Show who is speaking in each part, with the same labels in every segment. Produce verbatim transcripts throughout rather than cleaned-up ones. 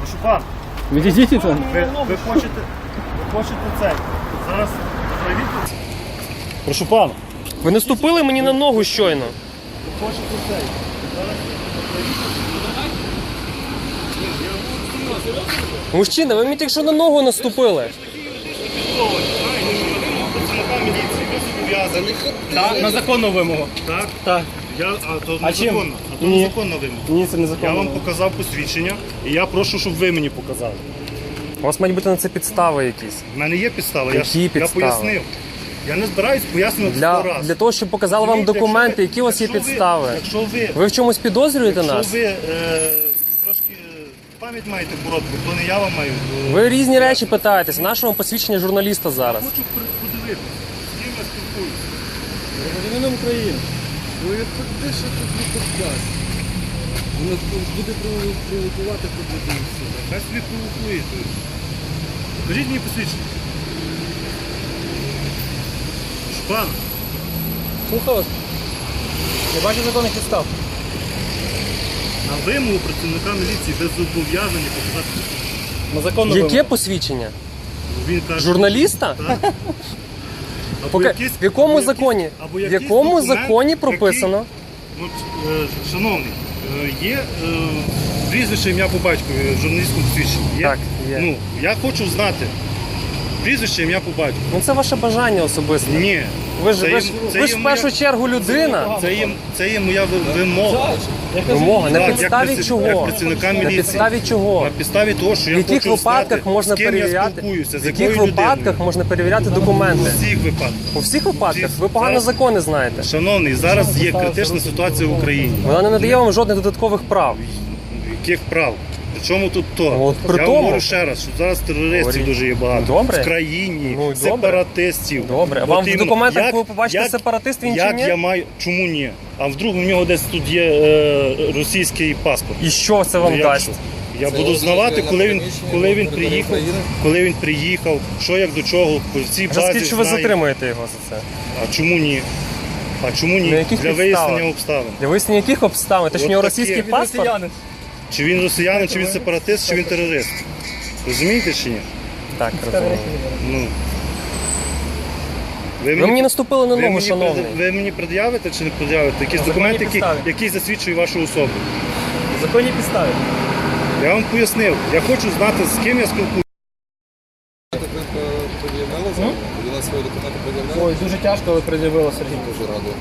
Speaker 1: Прошу пан,
Speaker 2: Відійдіть там.
Speaker 1: ви, ви хочете, ви хочете це. Зараз проявіть. Прошу пан,
Speaker 3: Ви наступили мені на ногу щойно.
Speaker 1: ви хочете це. Зараз
Speaker 3: Мужчина, ви мені тільки що на ногу наступили.
Speaker 2: Так, на законну вимогу.
Speaker 1: Так?
Speaker 2: Так.
Speaker 1: Я, а то
Speaker 2: А чим?
Speaker 1: незаконно. А то
Speaker 2: Ні.
Speaker 1: незаконно вимога.
Speaker 2: Ні, це
Speaker 1: Я
Speaker 2: незаконно.
Speaker 1: вам показав посвідчення, і я прошу, щоб ви мені показали.
Speaker 3: У вас мають бути на це підстави якісь.
Speaker 1: У мене є підстава, я, ж-
Speaker 3: Які
Speaker 1: я
Speaker 3: підстави?
Speaker 1: пояснив. Я не збираюсь пояснювати
Speaker 3: Для,
Speaker 1: сто раз.
Speaker 3: для того, щоб показали вам
Speaker 1: Розумієте,
Speaker 3: документи,
Speaker 1: якщо ви-
Speaker 3: які у вас є
Speaker 1: якщо ви-
Speaker 3: підстави.
Speaker 1: Якщо ви,
Speaker 3: Ви в чомусь підозрюєте
Speaker 1: якщо
Speaker 3: нас?
Speaker 1: ви е, трошки е, пам'ять маєте коротку, то не я вам маю. е,
Speaker 3: Ви різні речі питаєтесь. Наше вам посвідчення журналіста зараз.
Speaker 1: Хочу при- подивитися, з ким я спілкуюся.
Speaker 2: Громадянином України.
Speaker 4: Ну як де ще тут не поддасть? Воно буде провокувати подати все.
Speaker 1: Хай собі провокуєте. Покажіть мені посвідчення. Пан,
Speaker 2: Слухаю вас. Я бачу законних підстав.
Speaker 1: на вимогу працівника міліції без зобов'язання показати посвідчення.
Speaker 2: На законну
Speaker 3: Яке
Speaker 2: вимогу.
Speaker 3: посвідчення?
Speaker 1: Він каже,
Speaker 3: Журналіста?
Speaker 1: так. Або
Speaker 3: Пока-
Speaker 1: якийсь-
Speaker 3: В якому
Speaker 1: або якийсь-
Speaker 3: законі?
Speaker 1: або
Speaker 3: В
Speaker 1: якийсь
Speaker 3: якому
Speaker 1: документ,
Speaker 3: законі прописано?
Speaker 1: який- От, е, шановний, е, є е, прізвище, ім'я по батькові в журналістському посвідченні. Є?
Speaker 3: Так, є.
Speaker 1: Ну, я хочу знати прізвище, ім'я по батькові.
Speaker 3: Ну це ваше бажання особисте.
Speaker 1: Ні.
Speaker 3: Ви ж,
Speaker 1: Це
Speaker 3: ви
Speaker 1: є-
Speaker 3: ж,
Speaker 1: це
Speaker 3: ви ж
Speaker 1: є
Speaker 3: в першу
Speaker 1: моя-
Speaker 3: чергу людина.
Speaker 1: Це є, це є моя ви- вимога.
Speaker 3: Вимога. На
Speaker 1: Так, як
Speaker 3: підставі
Speaker 1: праці-
Speaker 3: чого?
Speaker 1: як працівника
Speaker 3: На
Speaker 1: міліції.
Speaker 3: підставі чого?
Speaker 1: На підставі того, що я
Speaker 3: В яких
Speaker 1: хочу
Speaker 3: випадках
Speaker 1: знати,
Speaker 3: можна
Speaker 1: з ким я
Speaker 3: перевіряти?
Speaker 1: спілкуюся, з
Speaker 3: В яких
Speaker 1: якою
Speaker 3: випадках
Speaker 1: людиною.
Speaker 3: можна перевіряти
Speaker 1: У
Speaker 3: документи?
Speaker 1: всіх випадках.
Speaker 3: У всіх випадках? Ви погано
Speaker 1: Зараз-
Speaker 3: закони знаєте.
Speaker 1: Шановний, зараз є критична ситуація в Україні.
Speaker 3: Вона не надає вам жодних додаткових прав.
Speaker 1: Яких прав? Причому тут то?
Speaker 3: Ну, от при
Speaker 1: Я
Speaker 3: тому.
Speaker 1: вам говорю ще раз, що зараз терористів
Speaker 3: Говоріть.
Speaker 1: дуже є багато.
Speaker 3: Добре.
Speaker 1: В країні,
Speaker 3: Ну, добре.
Speaker 1: сепаратистів.
Speaker 3: Добре. А
Speaker 1: От
Speaker 3: вам в
Speaker 1: іменно,
Speaker 3: документах
Speaker 1: як-
Speaker 3: ви побачите
Speaker 1: як-
Speaker 3: сепаратист, він чи
Speaker 1: як
Speaker 3: ні?
Speaker 1: я маю. Чому ні? А вдруг у нього десь тут є е, російський паспорт.
Speaker 3: І що це вам
Speaker 1: Ну, як
Speaker 3: дасть?
Speaker 1: що? Я
Speaker 4: Це
Speaker 1: буду
Speaker 4: означає
Speaker 1: знавати,
Speaker 4: на
Speaker 1: коли він,
Speaker 4: приміщенні
Speaker 1: коли
Speaker 4: на
Speaker 1: він
Speaker 4: території
Speaker 1: приїхав,
Speaker 4: України?
Speaker 1: коли він приїхав, що як до чого, по цій
Speaker 3: Вже
Speaker 1: базі
Speaker 3: скільки ви
Speaker 1: знаю.
Speaker 3: затримуєте його за це?
Speaker 1: А чому ні? А чому ні?
Speaker 3: На яких
Speaker 1: Для
Speaker 3: підставах?
Speaker 1: вияснення обставин.
Speaker 3: Для вияснення яких обставин? Те, що
Speaker 1: От
Speaker 3: в нього
Speaker 1: таке.
Speaker 3: російський
Speaker 1: Він
Speaker 3: паспорт?
Speaker 1: Чи він росіянин, чи він сепаратист, чи він терорист. Розумієте чи ні?
Speaker 3: Так, розумію.
Speaker 1: Ну.
Speaker 3: Ви мені наступили на
Speaker 1: ви
Speaker 3: ногу,
Speaker 1: мені
Speaker 3: шановний.
Speaker 1: пред- Ви мені пред'явите чи не пред'явите якісь
Speaker 2: На
Speaker 1: документи,
Speaker 2: законній
Speaker 1: які,
Speaker 2: підставі.
Speaker 1: які засвідчують вашу особу?
Speaker 2: Законні підстави.
Speaker 1: Я вам пояснив. Я хочу знати, з ким я спілкуюся.
Speaker 4: Пред'явили зараз? Поділи свої документи, пред'явили?
Speaker 2: Ой, дуже тяжко, але пред'явила Сергій.
Speaker 4: Дуже радий.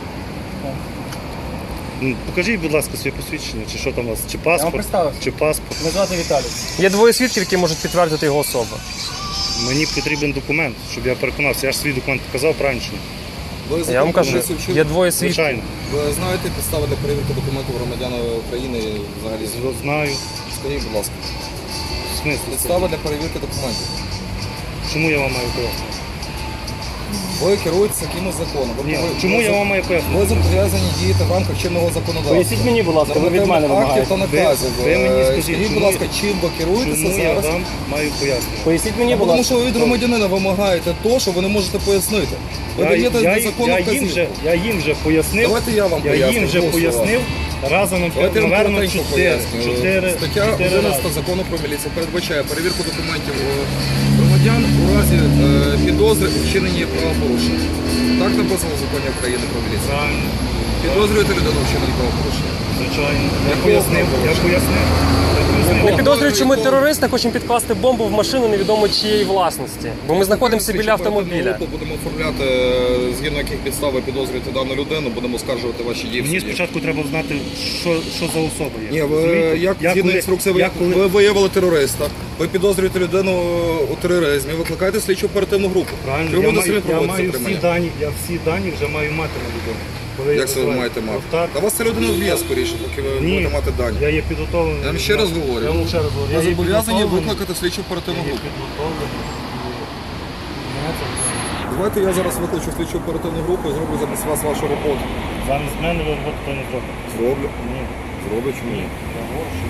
Speaker 1: Ну, покажіть, будь ласка, своє посвідчення, чи що там у вас, чи
Speaker 2: Я вам
Speaker 1: паспорт,
Speaker 2: представився.
Speaker 1: чи паспорт.
Speaker 2: Мене звати Віталій.
Speaker 3: Є двоє свідків, які можуть підтвердити його особу.
Speaker 1: Мені потрібен документ, щоб я переконався. Я ж свій документ показав правильно. чи ні?
Speaker 4: Ви
Speaker 3: Я
Speaker 4: закон
Speaker 3: вам кажу,
Speaker 4: про міліцію вчили?
Speaker 3: є двоє свідків.
Speaker 1: Звичайно.
Speaker 4: Ви знаєте підстави для перевірки документів громадян України і взагалі?
Speaker 1: Знаю.
Speaker 4: Скажіть, будь ласка.
Speaker 1: В смислі?
Speaker 4: Підстава для перевірки документів.
Speaker 1: Чому я вам маю пояснити?
Speaker 4: Ви керуєтеся якимось законом. Ви
Speaker 1: Ні,
Speaker 4: повинні-
Speaker 1: чому
Speaker 4: ви
Speaker 1: я
Speaker 4: за-
Speaker 1: вам маю пояснити?
Speaker 4: Ви зобов'язані діяти в рамках чинного законодавства.
Speaker 2: Поясніть мені, будь ласка, ви від мене
Speaker 4: Нормативних актів
Speaker 2: вимагаєте.
Speaker 4: та наказів.
Speaker 1: Ви- ви мені
Speaker 4: Е,
Speaker 1: скажіть,
Speaker 4: Скажіть, будь
Speaker 1: чому-
Speaker 4: ласка, чим ви керуєтеся
Speaker 1: Чому я
Speaker 4: зараз?
Speaker 1: вам маю пояснити?
Speaker 2: Поясніть мені,
Speaker 4: Ну,
Speaker 2: будь
Speaker 4: тому
Speaker 2: ласка.
Speaker 4: що ви від громадянина вимагаєте то, що ви не можете пояснити. Ви
Speaker 1: Я,
Speaker 4: даєте
Speaker 1: я,
Speaker 4: незаконну
Speaker 1: я, їм вже,
Speaker 4: вказівку.
Speaker 1: я їм вже пояснив.
Speaker 4: Давайте я вам
Speaker 1: Я
Speaker 4: поясню,
Speaker 1: їм вже
Speaker 4: прошу
Speaker 1: пояснив. Разом,
Speaker 4: Давайте я вам
Speaker 1: наверно,
Speaker 4: коротенько
Speaker 1: чотири.
Speaker 4: поясню.
Speaker 1: Чотири,
Speaker 4: Стаття
Speaker 1: чотири
Speaker 4: одинадцята
Speaker 1: рази.
Speaker 4: закону про міліцію передбачає перевірку документів е, громадян у разі е, підозри у вчиненні правопорушення. Так написано в законі України про міліцію.
Speaker 1: Правильно,
Speaker 4: Підозрюєте людину в вчиненні правопорушення?
Speaker 1: звичайно. Я
Speaker 4: Якого
Speaker 1: пояснив, я
Speaker 4: правопорушення?
Speaker 1: пояснив. Я пояснив.
Speaker 3: Не підозрюючи, ми терористи хочемо підкласти бомбу в машину невідомо чиєї власності. Бо ми знаходимося біля автомобіля.
Speaker 4: Групу будемо оформляти, е, згідно яких підстав ви підозрюєте дану людину, будемо скаржувати ваші дії. в
Speaker 1: Мені
Speaker 4: суді.
Speaker 1: спочатку треба знати, що, що за особа є.
Speaker 4: Ні, ви
Speaker 1: Розумієте?
Speaker 4: як
Speaker 1: Я
Speaker 4: згідно
Speaker 1: коли-
Speaker 4: інструкції, ви,
Speaker 1: я коли-
Speaker 4: ви виявили терориста, ви підозрюєте людину у тероризмі, викликаєте слідчу оперативну групу.
Speaker 1: Правильно,
Speaker 4: Ви
Speaker 1: я
Speaker 4: будете
Speaker 1: маю,
Speaker 4: самі
Speaker 1: я
Speaker 4: проводити
Speaker 1: маю всі
Speaker 4: затримання.
Speaker 1: дані, я всі дані вже маю мати на людину. Коли я
Speaker 4: Як це ви
Speaker 1: визиваю.
Speaker 4: маєте мати?
Speaker 1: Так.
Speaker 4: Та вас ця людина вб'є скоріше, поки ви
Speaker 1: Ні,
Speaker 4: будете мати дані.
Speaker 1: я є підготовлений.
Speaker 4: Я вам ще раз говорю.
Speaker 1: Я вам ще раз говорю.
Speaker 4: Ви
Speaker 1: Я є
Speaker 4: зобов'язані
Speaker 1: підготовлений.
Speaker 4: викликати слідчу оперативну
Speaker 1: Я є
Speaker 4: групу.
Speaker 1: підготовлений. Мене це вже-
Speaker 4: Давайте я зараз викличу слідчу оперативну групу і зроблю замість вас вашу роботу.
Speaker 1: Замість мене ви роботу то не зробите.
Speaker 4: Зроблю.
Speaker 1: Ні.
Speaker 4: Зроблю чому ні?
Speaker 1: Я говорю, що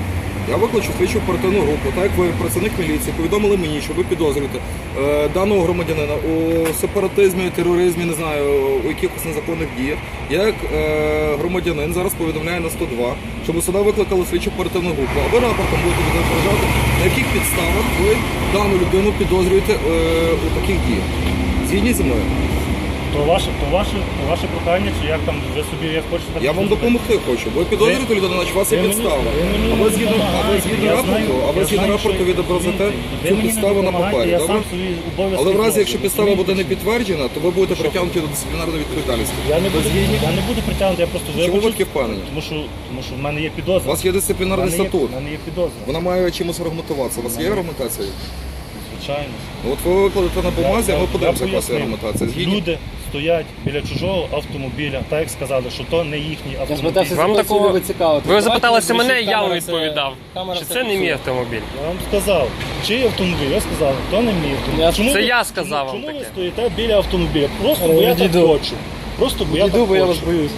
Speaker 4: Я викличу слідчу оперативну групу, так як ви працівник міліції, повідомили мені, що ви підозрюєте е, даного громадянина у сепаратизмі, тероризмі, не знаю, у якихось незаконних діях. Я як е, громадянин зараз повідомляю на сто два, щоб сюди викликали слідчу оперативну групу. А ви рапортом будете відображати, на яких підставах ви дану людину підозрюєте е, у таких діях. Згідні зі мною?
Speaker 1: То ваше, то ваше, то ваше прохання, чи як там ви собі як хочете. так
Speaker 4: Я вам
Speaker 1: зробити.
Speaker 4: допомогти хочу. Ви підозрюєте людину, наче у вас є
Speaker 1: ви мені-
Speaker 4: підстава.
Speaker 1: ви мені
Speaker 4: А ви згідно, а ви
Speaker 1: допомагаєте,
Speaker 4: згідно
Speaker 1: я
Speaker 4: рапорту,
Speaker 1: знаю-
Speaker 4: а ви
Speaker 1: я
Speaker 4: згідно
Speaker 1: знаю,
Speaker 4: рапорту
Speaker 1: що-
Speaker 4: відобразите
Speaker 1: ви
Speaker 4: цю
Speaker 1: мені не
Speaker 4: підставу на
Speaker 1: допомагаєте,
Speaker 4: папері,
Speaker 1: я
Speaker 4: добре?
Speaker 1: сам свої обов'язки
Speaker 4: Але в разі,
Speaker 1: роблю,
Speaker 4: якщо підстава буде не
Speaker 1: розумієте?
Speaker 4: підтверджена, то ви будете притягнуті до дисциплінарної відповідальності.
Speaker 1: Я не
Speaker 4: Ви
Speaker 1: буду,
Speaker 4: згідні?
Speaker 1: я не буду притягнути, я просто
Speaker 4: Чому ви
Speaker 1: вибачусь,
Speaker 4: таки впевнені?
Speaker 1: тому що, тому що в мене є підозра.
Speaker 4: У вас є
Speaker 1: В
Speaker 4: дисциплінарний
Speaker 1: мене є-
Speaker 4: статут.
Speaker 1: в мене є підозра.
Speaker 4: Вона має чимось аргументуватися. У вас є аргументація?
Speaker 1: Звичайно.
Speaker 4: Ну, от ви викладете на бумазі, а ми
Speaker 1: Я-
Speaker 4: подивимося,
Speaker 1: я
Speaker 4: яка у вас є
Speaker 1: пояснив.
Speaker 4: аргументація. Згідні?
Speaker 1: Люди стоять біля чужого автомобіля, так як сказали, що то не їхній
Speaker 2: Я
Speaker 1: автомобіль.
Speaker 2: спитався,
Speaker 3: Вам
Speaker 2: з якої
Speaker 3: такого-
Speaker 2: цілі ви цікавитесь.
Speaker 3: Ви
Speaker 2: Давайте
Speaker 3: запиталися
Speaker 2: вирішимо,
Speaker 3: мене, я вам
Speaker 2: камера це-
Speaker 3: відповідав.
Speaker 2: камера
Speaker 3: Чи
Speaker 2: це
Speaker 3: це не мій
Speaker 2: фіксує.
Speaker 3: автомобіль?
Speaker 1: Я вам сказав, чий автомобіль? Я сказав, то не мій автомобіль.
Speaker 2: Я-
Speaker 1: Чому
Speaker 3: Це
Speaker 1: ви-
Speaker 3: я сказав
Speaker 1: чому,
Speaker 3: вам
Speaker 1: чому ви
Speaker 3: таке.
Speaker 1: стоїте біля автомобіля? Просто
Speaker 2: Але
Speaker 1: бо я так
Speaker 2: відійду.
Speaker 1: хочу. Просто бо я
Speaker 2: Іду,
Speaker 1: так
Speaker 2: бо я вас
Speaker 1: хочу.
Speaker 2: боюсь.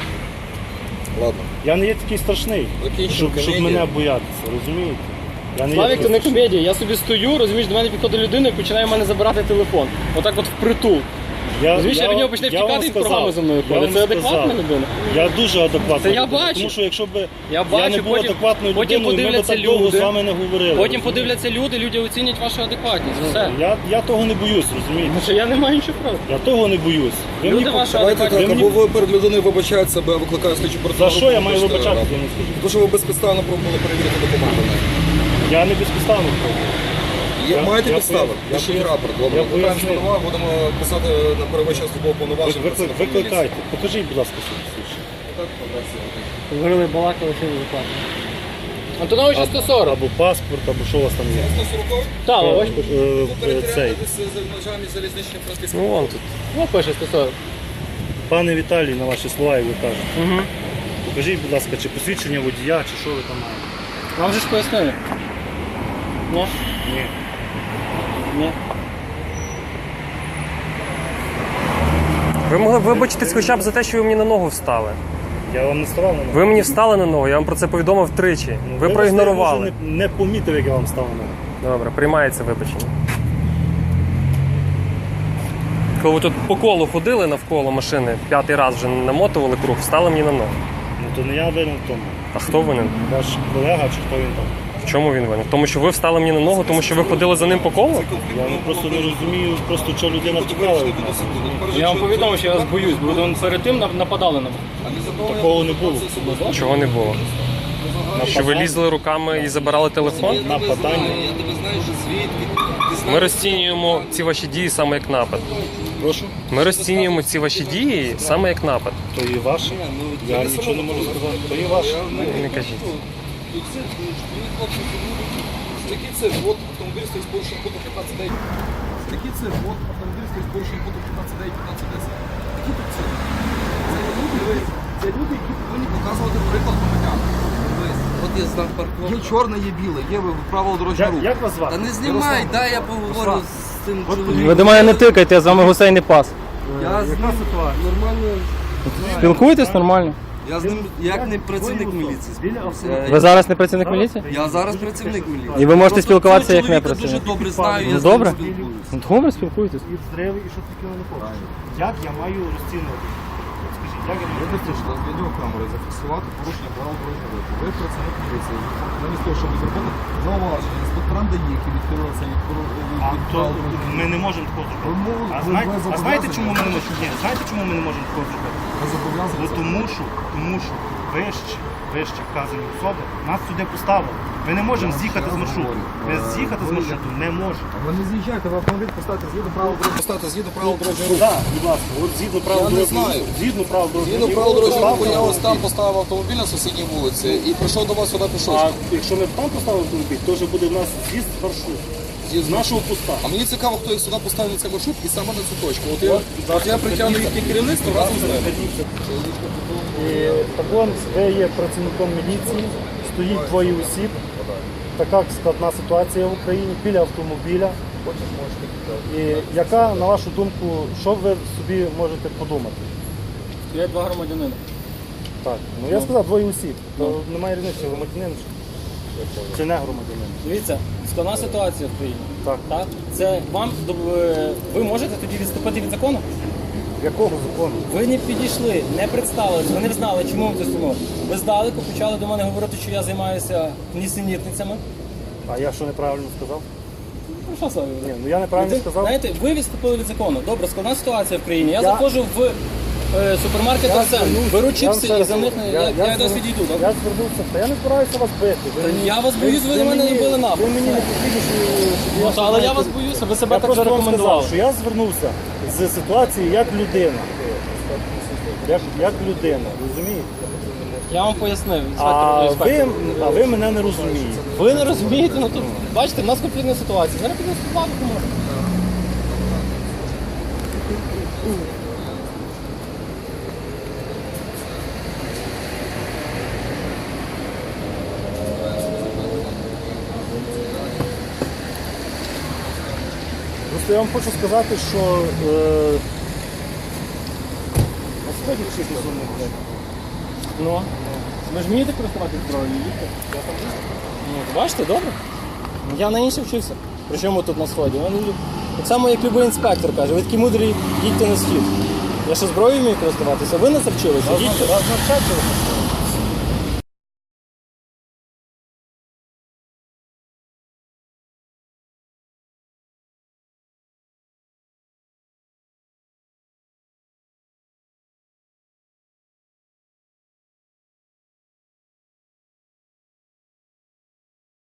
Speaker 4: Ладно.
Speaker 1: Я не є такий страшний,
Speaker 4: Закінчимо
Speaker 1: щоб, щоб
Speaker 4: комедію.
Speaker 1: мене боятися, розумієте? Я не є
Speaker 2: Славік,
Speaker 1: такий
Speaker 2: це не
Speaker 1: страшний.
Speaker 2: комедія. Я собі стою, розумієш, до мене підходить людина і починає в мене забирати телефон. Отак от впритул.
Speaker 1: Я,
Speaker 2: Розумієш, я від нього почне
Speaker 1: я вам
Speaker 2: втікати і
Speaker 1: сказав,
Speaker 2: програми за мною
Speaker 1: я
Speaker 2: ходить.
Speaker 1: вам
Speaker 2: Це адекватна
Speaker 1: сказав.
Speaker 2: людина?
Speaker 1: Я дуже адекватний.
Speaker 2: Це я бачу.
Speaker 1: Тому що якщо б я,
Speaker 2: Я
Speaker 1: не
Speaker 2: бачу,
Speaker 1: був
Speaker 2: потім-
Speaker 1: адекватною
Speaker 2: потім
Speaker 1: людиною, ми б
Speaker 2: подивляться
Speaker 1: так довго
Speaker 2: люди.
Speaker 1: з вами не говорили.
Speaker 2: Потім
Speaker 1: розумієте?
Speaker 2: подивляться люди, люди оцінять вашу адекватність. Все.
Speaker 1: Я, я того не боюсь, розумієте?
Speaker 2: Тому що я не маю нічого проти.
Speaker 1: Я того не боюсь. Ви
Speaker 2: Люди
Speaker 1: мені
Speaker 2: ваші
Speaker 1: пок-
Speaker 4: Давайте
Speaker 2: адекватні.
Speaker 4: так,
Speaker 1: Ви мені-
Speaker 4: або ви перед людиною вибачаєте себе, викликає слідчу
Speaker 1: За
Speaker 4: оперативну
Speaker 1: що я маю
Speaker 4: вибачте,
Speaker 1: вибачатися,
Speaker 4: рапорт.
Speaker 1: я не скажу.
Speaker 4: Тому що ви безпідставно пробували перевірити документи.
Speaker 1: Я не безпідставно пробую.
Speaker 4: Є,
Speaker 1: Я-
Speaker 4: маєте
Speaker 1: я
Speaker 4: підстави?
Speaker 1: поясню.
Speaker 4: Пишіть
Speaker 1: Я
Speaker 4: рапорт.
Speaker 1: поясню.
Speaker 4: Добре,
Speaker 1: Я
Speaker 4: питаємо
Speaker 1: поясню.
Speaker 4: слова, будемо писати на перевищення службового
Speaker 1: Ви-
Speaker 4: повноваження.
Speaker 1: викли- Викликайте. Покажіть, будь ласка, свій свідчення.
Speaker 2: Говорили, балакали, що не заплатили. Антоновича сто сорок.
Speaker 1: Або паспорт, або що у вас там є.
Speaker 2: Так,
Speaker 1: Е,
Speaker 2: ось пише.
Speaker 1: е, е, Цей.
Speaker 3: Ну вон тут.
Speaker 2: Ну, пише сто сорок.
Speaker 1: Пане Віталій, на ваші слова, як ви кажете.
Speaker 2: Угу.
Speaker 1: Покажіть, будь ласка, чи посвідчення водія, чи що ви там маєте.
Speaker 2: Вам же ж пояснили? Ні?
Speaker 1: Ні.
Speaker 2: Ні.
Speaker 3: Ви могли б вибачитись хоча б за те, що ви мені на ногу встали.
Speaker 1: Я вам не ставав на ногу.
Speaker 3: Ви мені встали на ногу, я вам про це повідомив тричі.
Speaker 1: Ну,
Speaker 3: Ви
Speaker 1: вибачте,
Speaker 3: проігнорували.
Speaker 1: Я може, не, не помітив, як я вам став на ногу.
Speaker 3: Добре, приймається вибачення. Коли ви тут по колу ходили навколо машини, п'ятий раз вже намотували круг, встали мені на ногу.
Speaker 1: Ну то не я винен в тому.
Speaker 3: А хто винен?
Speaker 1: Ваш колега чи хто він там?
Speaker 3: В чому він винен? В тому, що ви встали мені на ногу, тому що ви ходили за ним по колу?
Speaker 1: Я ну, просто не розумію, просто що людина втікала від нас.
Speaker 2: Я вам повідомив, що я вас боюсь, бо ви перед тим нап- нападали на мене.
Speaker 1: Такого не було.
Speaker 3: Чого не було? Що ви лізли руками і забирали телефон?
Speaker 1: Нападання.
Speaker 3: Ми розцінюємо ці ваші дії саме як напад.
Speaker 1: Прошу.
Speaker 3: Ми розцінюємо ці ваші дії саме як напад.
Speaker 1: То і ваше. Я нічого не можу сказати. То і ваше.
Speaker 3: Не кажіть.
Speaker 4: Який це ввод автомобіль стоїть з порушенням пункту п'ятнадцять дев'ять? Який це ввод автомобіль стоїть з порушенням пункту п'ятнадцять дев'ять, п'ятнадцять десять? Які тут це? Це люди, це люди, які повинні показувати приклад громадян.
Speaker 5: От є знак парковки.
Speaker 4: Є чорне, є біле, є правило дорожнього
Speaker 1: Як,
Speaker 4: руху.
Speaker 1: як вас
Speaker 5: Та
Speaker 1: звати?
Speaker 5: не знімай, дай я поговорю з цим чоловіком.
Speaker 2: Ви до мене не тикайте, я з вами гусей не пас.
Speaker 5: Я з ним нормально.
Speaker 2: Спілкуєтесь нормально?
Speaker 5: Я з ним як не працівник міліції. спілкуюся.
Speaker 2: Ви зараз не працівник міліції?
Speaker 5: Я зараз працівник міліції.
Speaker 2: І ви можете
Speaker 5: Просто
Speaker 2: спілкуватися
Speaker 5: цього
Speaker 2: як не
Speaker 5: чоловіка
Speaker 2: працівник?
Speaker 5: дуже добре знаю, я
Speaker 2: Ну,
Speaker 5: з ним
Speaker 2: добре.
Speaker 5: спілкуюся.
Speaker 2: Ну, добре, спілкуйтесь.
Speaker 1: І зриви, і що таке не хочеш. Як я маю розцінювати? От скажіть, як я маю
Speaker 4: Ви вирішили з відеокамери зафіксувати порушення правил дорожнього руху. Ви працівник поліції. Замість того, щоб зробити зауваження інспекторам ДАІ, які відхилилися від
Speaker 1: А
Speaker 4: від
Speaker 1: то
Speaker 4: правил дорожнього руху.
Speaker 1: ми не можемо такого
Speaker 4: Ви
Speaker 1: зробити.
Speaker 4: мов-
Speaker 1: А
Speaker 4: ви-
Speaker 1: знаєте,
Speaker 4: ви
Speaker 1: а знаєте,
Speaker 4: зобов'язані?
Speaker 1: чому ми не можемо? Ні, знаєте, чому ми не можемо такого зробити?
Speaker 4: Ви зобов'язані.
Speaker 1: Ну тому що, тому що вище, вище вказані особи нас сюди поставили. Ми не можемо з'їхати з маршруту. Ми з'їхати з маршруту не можемо.
Speaker 4: Ви не з'їжджайте в автомобіль, поставте згідно правил дорожнього руху. Поставте згідно правил дорожнього руху.
Speaker 1: Так, будь ласка, от згідно правил
Speaker 4: Я не
Speaker 1: дорожнього
Speaker 4: знаю.
Speaker 1: руху. Згідно правил дорожнього
Speaker 4: Згідно
Speaker 1: руху.
Speaker 4: правил дорожнього руху, я
Speaker 1: Поставили
Speaker 4: ось там поставив автомобіль на сусідній вулиці і прийшов до вас сюди пішов.
Speaker 1: А якщо ми там поставили автомобіль, то вже буде в нас з'їзд з маршруту. З нашого поста.
Speaker 4: А мені цікаво, хто їх сюди поставив на цей маршрут і саме на цю точку. От я, от я притягну їхнє керівництво разом з ними.
Speaker 1: І так он, ви є працівником міліції, стоїть двоє осіб. Така складна ситуація в Україні біля автомобіля. І яка, на вашу думку, що ви собі можете подумати?
Speaker 2: Я два громадянина.
Speaker 1: Так, ну я сказав двоє осіб, то немає різниці, громадянин. чи- чи не громадянин?
Speaker 2: Дивіться, складна ситуація в країні.
Speaker 1: Так.
Speaker 2: Так? Це вам е, ви можете тоді відступити від закону?
Speaker 1: Якого закону?
Speaker 2: Ви не підійшли, не представилися, ви не знали, чому ви тут стоїмо. Ви здалеку почали до мене говорити, що я займаюся нісенітницями.
Speaker 1: А я що неправильно сказав?
Speaker 2: Ну що саме?
Speaker 1: Ні, ну я неправильно
Speaker 2: Ви-
Speaker 1: сказав.
Speaker 2: Знаєте, ви відступили від закону. Добре, складна ситуація в країні. Я,
Speaker 1: Я-
Speaker 2: заходжу в е, супермаркет
Speaker 1: Я
Speaker 2: Арсен,
Speaker 1: звернувся-
Speaker 2: беру
Speaker 1: я
Speaker 2: чіпси
Speaker 1: вам
Speaker 2: і
Speaker 1: ще
Speaker 2: за
Speaker 1: раз
Speaker 2: них
Speaker 1: говорю,
Speaker 2: не- я, я, я
Speaker 1: зверну-
Speaker 2: відійду.
Speaker 1: Я
Speaker 2: Добре?
Speaker 1: звернувся, та я не збираюся вас бити. Ви
Speaker 2: Та
Speaker 1: мені-
Speaker 2: я вас боюсь, ви на мене
Speaker 1: мені-
Speaker 2: не били нахуй.
Speaker 1: Ви мені не потрібно, щоб
Speaker 2: Ну,
Speaker 1: щоб
Speaker 2: але я
Speaker 1: знаєте,
Speaker 2: вас боюся, ви себе
Speaker 1: Я
Speaker 2: так вже
Speaker 1: просто вам
Speaker 2: рекомендували.
Speaker 1: сказав, що я звернувся з ситуації як людина. Як, як людина, розумієте?
Speaker 2: Я вам пояснив.
Speaker 1: А
Speaker 2: інспектор,
Speaker 1: ви,
Speaker 2: інспектор.
Speaker 1: а ви мене не розумієте.
Speaker 2: Ви не розумієте, ну тут, бачите, в нас конфліктна ситуація. Зараз підемо складати може.
Speaker 1: Просто я вам хочу сказати, що е, а сьогодні чесно зумовляє.
Speaker 2: Ну, ви ж вмієте користуватися зброєю, їдьте. Ну, бачите, добре. Я на інше вчився. Причому тут на сході. Ну, люди- Так само, як будь-який інспектор каже, ви такі мудрі, їдьте на схід. Я ще зброєю вмію користуватися, ви не завчилися, їдьте.
Speaker 1: Вас навчати